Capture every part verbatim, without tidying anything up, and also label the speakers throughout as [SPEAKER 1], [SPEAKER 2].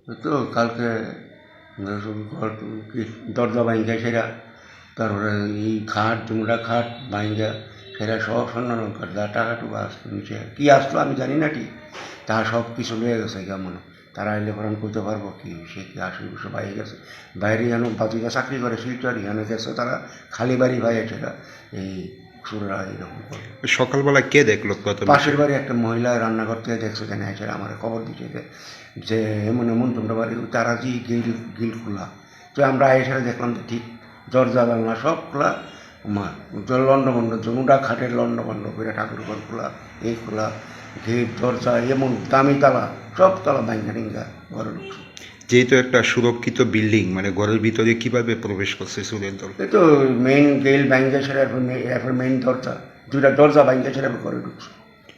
[SPEAKER 1] ওই তো কালকে ঘর কি দরজা ভাঙ্গা সেরা, তারপরে এই খাট জুমড়া খাট ভাঙ্গা সেরা সব স্বর্ণ লঙ্কার যা টাকা টুকু আসতো নিচে কী আসলো আমি জানি না ঠিক, তা সব কিছু লয়ে গেছে কেমন। তারা এলে পরে আমি করতে পারবো কি, সে কি আসলে বসে বাইরে গেছে, বাইরে যেন বাতিকা চাকরি করে শিলচর এখানে গেছে তারা খালি বাড়ি ভাই সেটা এই সুররা এরকম করে।
[SPEAKER 2] সকালবেলা কে দেখলো? কত
[SPEAKER 1] পাশের বাড়ি একটা মহিলা রান্নাঘর থেকে দেখছে কেন এসে আমার খবর দিচ্ছে যে এমন এমন তোমরা বাড়ি তারা যে গিল গিল খোলা, তো আমরা এসে দেখলাম যে ঠিক দরজা বাংলা সব খোলা, আমার লন্ডভন্ড জনুটা খাটের লন্ডভন্ড করে ঠাকুর ঘর খোলা, এই খোলা গেট দরজা এমন দামি তালা সব তালা ভাঙ্গা টিঙ্গা ঘরে ঢুকছে।
[SPEAKER 2] যেহেতু একটা সুরক্ষিত বিল্ডিং, মানে ঘরের ভিতরে কিভাবে প্রবেশ করছে চোরের দল?
[SPEAKER 1] এই তো মেইন গেল ভাঙ্গা সেটা এরপর মেইন দরজা দুইটা দরজা ভাঙ্গা সেটা ঘরে ঢুকছে।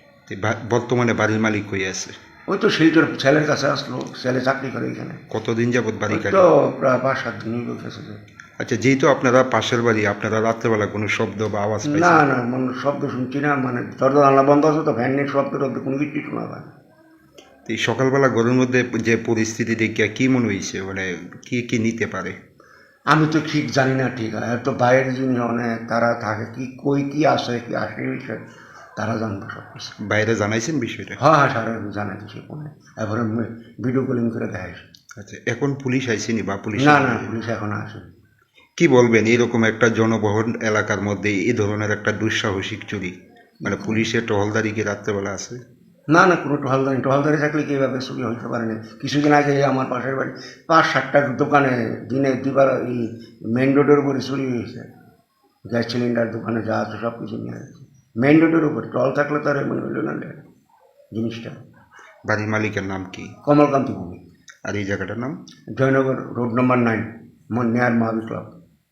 [SPEAKER 2] বর্তমানে বাড়ির মালিক হয়ে আছে?
[SPEAKER 1] ওই তো শিলচর ছেলের কাছে আসলো, ছেলে চাকরি করে এখানে।
[SPEAKER 2] কতদিন যাবত বাড়ি কাটে?
[SPEAKER 1] তো প্রায় পাঁচ সাত দিন গেছে।
[SPEAKER 2] আচ্ছা, যেহেতু আপনারা পাশের বাড়ি, আপনারা রাত্রেবেলা কোনো শব্দ বা আওয়াজ
[SPEAKER 1] না
[SPEAKER 2] পাইছেন?
[SPEAKER 1] না মানে শব্দ শুনছি না, মানে দরজা জানলা বন্ধ আছে তো ফ্যানের শব্দ টব্দ কোনো কিছু শোনা যায় না।
[SPEAKER 2] এই সকালবেলা ঘরের মধ্যে যে পরিস্থিতি দেখিয়া কি মনে হয়েছে, মানে কি কি নিতে পারে?
[SPEAKER 1] আমি তো ঠিক জানি না, ঠিক আছে তো বাইরের জিনিস অনেক তারা থাকে কি কই কি আসে কি আসে বিষয় তারা জানবে সব কিছু।
[SPEAKER 2] বাইরে জানাইছেন বিষয়টা?
[SPEAKER 1] হ্যাঁ হ্যাঁ সারা জানাই সে ফোনে, এবারে ভিডিও কলিং করে দেখাইছে।
[SPEAKER 2] আচ্ছা, এখন পুলিশ আইসেনি বা পুলিশ?
[SPEAKER 1] না না পুলিশ এখন আসেনি।
[SPEAKER 2] কি বলবেন এরকম একটা জনবহুল এলাকার মধ্যে এই ধরনের একটা দুঃসাহসিক চুরি, মানে পুলিশের টহলদারি কি রাত্রেবেলা আছে?
[SPEAKER 1] না না কোনো টহলদারি টহলদারি থাকলে কি এভাবে চুরি হইতে পারে না। কিছুদিন আগে আমার পাশের বাড়ি পাঁচ সাতটা দোকানে দিনে দুবার এই মেন রোডের উপরে চুরি হয়েছে, গ্যাস সিলিন্ডার দোকানে যা আছে সব কিছু নিয়ে গেছে মেন রোডের উপরে। টহল থাকলে তার এমন হইল না জিনিসটা।
[SPEAKER 2] বাড়ির মালিকের নাম কি?
[SPEAKER 1] কমলকান্তি ভূমি।
[SPEAKER 2] আর এই জায়গাটার নাম?
[SPEAKER 1] জয়নগর রোড নম্বর নাইন নেয়ার মহাবীর ক্লাব।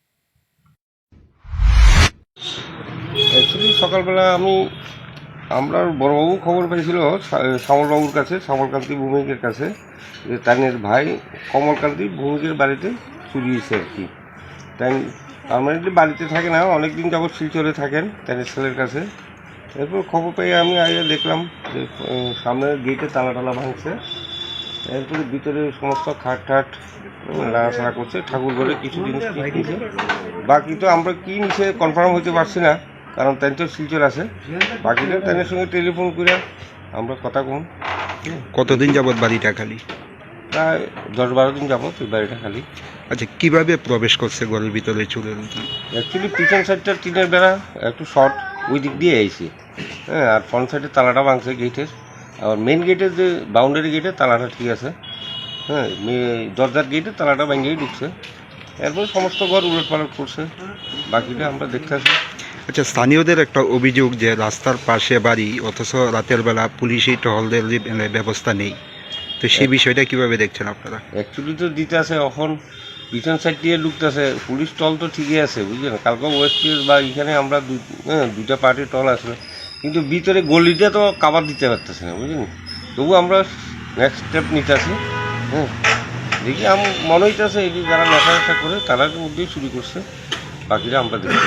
[SPEAKER 3] অ্যাকচুয়ালি সকালবেলা আমি আমরা বড়বাবু খবর পেয়েছিল শ্যামলবাবুর কাছে, শ্যামলকান্তি ভৌমিকের কাছে, যে তাইনের ভাই কমলকান্তি ভৌমিকের বাড়িতে চুরি হয়েছে আর কি। তাই পার্মানেন্টলি বাড়িতে থাকে না, অনেক দিন যাবৎ শিলচরে থাকেন তাইনের ছেলের কাছে। এরপর খবর পেয়ে আমি আগে দেখলাম যে সামনের গেটে তালা টালা ভাঙছে, এরপরে ভিতরে সমস্ত খাট ঠাট নাড়াচাড়া করছে, ঠাকুর ঘরে কিছু জিনিস ঠিক নিছে। বাকি তো আমরা কী নিচে কনফার্ম হতে পারছি না, কারণ তাই তো শিলচর আছে। বাকিটা তাদের সঙ্গে টেলিফোন করে আমরা কথা কম।
[SPEAKER 2] কতদিন যাবত বাড়িটা খালি?
[SPEAKER 3] প্রায় দশ বারো দিন যাবত এই বাড়িটা খালি।
[SPEAKER 2] আচ্ছা, কিভাবে প্রবেশ করছে ঘরের ভিতরে চুরের?
[SPEAKER 3] অ্যাকচুয়ালি পিছন সাইডটা টিনের বেড়া একটু শর্ট, ওই দিক দিয়ে আইছি, হ্যাঁ। আর ফ্রন্ট সাইডের তালাটা ভাঙছে গেটের, আর মেন গেটের যে বাউন্ডারি গেটের তালাটা ঠিক আছে, হ্যাঁ। দরজার গেটের তালাটা ভাঙিয়েই ঢুকছে, এরপর সমস্ত ঘর উলট পালট করছে, বাকিটা আমরা দেখতে আসি।
[SPEAKER 2] আচ্ছা, স্থানীয়দের একটা অভিযোগ যে রাস্তার পাশে বাড়ি অথচ রাতের বেলা পুলিশই টহলদের ব্যবস্থা নেই, তো সেই বিষয়টা কিভাবে দেখছেন আপনারা?
[SPEAKER 3] অ্যাকচুয়ালি তো দিতে আছে, এখন পিছন সাইড দিয়ে ঢুকতেছে, পুলিশ টল তো ঠিকই আছে বুঝলেন। কালকে ওয়েস্ট বা এখানে আমরা হ্যাঁ দুইটা পার্টির টল আসলো, কিন্তু ভিতরে গলিটা তো কাবার দিতে পারতেছে না বুঝলেন। তবু আমরা নেক্সট স্টেপ নিতে আসি, হ্যাঁ। দেখি আমি মনে হইতেছে এই যে যারা নেশা নেশা করে তাদের মধ্যেই চুরি করছে, বাকিরা আমরা দেখি।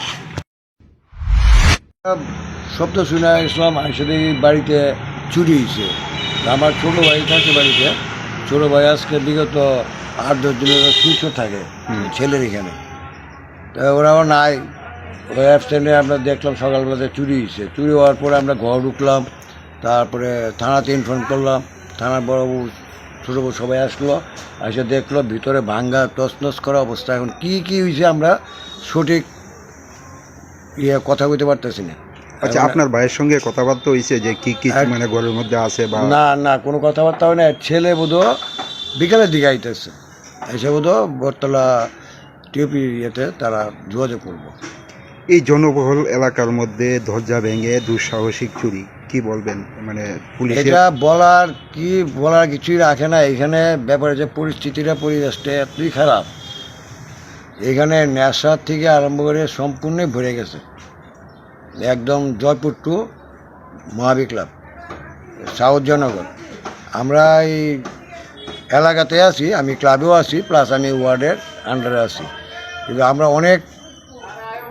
[SPEAKER 4] শব্দ শুনে ইসলাম আসলে বাড়িতে চুরি হয়েছে। আমার ছোটো ভাই থাকে বাড়িতে, ছোটো ভাই আজকে বিগত আট দশ দিনের সুস্থ থাকে ছেলের এখানে, তা ওরাও নাই, ওই অ্যাবসেন্টে আমরা দেখলাম সকালবেলাতে চুরি হয়েছে। চুরি হওয়ার পরে আমরা ঘর ঢুকলাম, তারপরে থানাতে ইনফর্ম করলাম, থানার বড়বাবু ছোটো বউ সবাই আসলো, এসে দেখলো ভিতরে ভাঙ্গা তছনছ করা অবস্থা। এখন কী কী হয়েছে আমরা সঠিক ইয়ে কথা বলতে পারতেছি না।
[SPEAKER 2] আচ্ছা, আপনার ভাইয়ের সঙ্গে কথাবার্তা হয়েছে যে কি কি মানে ঘরের মধ্যে আছে বা?
[SPEAKER 4] না না কোনো কথাবার্তা হয় না। ছেলে বোধহয় বিকালের দিকে আইতেছে, এসে বোধহয় বটতলা টিউপি ইয়েতে তারা যোগাযোগ করবো।
[SPEAKER 2] এই জনবহুল এলাকার মধ্যে দরজা ভেঙে দুঃসাহসিক চুরি, কি বলবেন? মানে পুলিশ
[SPEAKER 4] এটা বলার কি বলার কিছুই রাখে না। এখানে ব্যাপারে যে পরিস্থিতিটা পরিবেশটা এতই খারাপ, এখানে নেশার থেকে আরম্ভ করে সম্পূর্ণই ভরে গেছে। একদম Jaipur to Mahavir club, south Jaynagar. আমরা এই এলাকাতে আছি, আমি ক্লাবেও আছি, প্লাস আমি ওয়ার্ডের আন্ডারে আছি। কিন্তু আমরা অনেক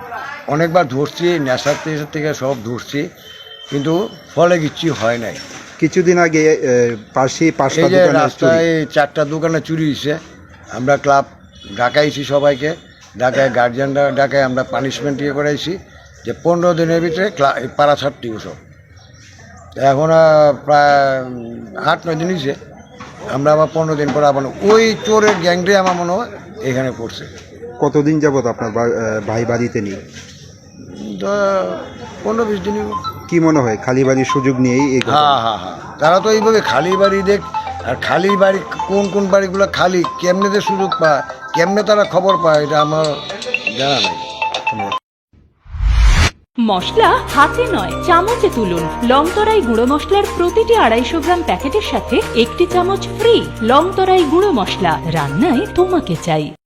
[SPEAKER 4] অনেকবার ধরছি, নেশার থেকে সব ধরছি, কিন্তু ফলে কিচ্ছু হয় নাই।
[SPEAKER 2] কিছুদিন আগে এ, পাশে পাঁচটা
[SPEAKER 4] এই যে
[SPEAKER 2] দোকানে চুরি।
[SPEAKER 4] রাস্তায় চারটা দোকানে চুরি হয়েছে, আমরা ক্লাব ডাকাইছি সবাইকে, ডাকায় গার্জিয়ানরা ডাকায় আমরা পানিশমেন্ট ইয়ে করাইছি যে পনেরো দিনের ভিতরে ক্লা পাড়া ছাড়তে সব। এখন আহ, প্রায় উম, আট নয় দিন হয়েছে, আমরা আবার পনেরো দিন পরে আবার ওই চোরের গ্যাংটাই আমার মনে হয় এখানে পড়ছে।
[SPEAKER 2] কতদিন যাবত আপনার বা- এ, ভাই বাড়িতে নেই?
[SPEAKER 4] তো পনেরো বিশ দিনই।
[SPEAKER 2] কি মনে হয় খালি বাড়ির সুযোগ নিয়েই এই ঘটনা?
[SPEAKER 4] হ্যাঁ হ্যাঁ হ্যাঁ, তারা তো এইভাবে খালি বাড়ি দেখ, আর খালি বাড়ি কোন কোন বাড়িগুলো খালি কেমনে যে সুযোগ পায়, কেমনে তারা খবর পায়, এটা আমার জানা নাই।
[SPEAKER 5] মশলা হাতে নয় চামচে তুলুন। লংতরাই গুঁড়ো মশলার প্রতিটি আড়াইশো গ্রাম প্যাকেটের সাথে একটি চামচ ফ্রি। লংতরাই গুঁড়ো মশলা, রান্নায় তোমাকে চাই।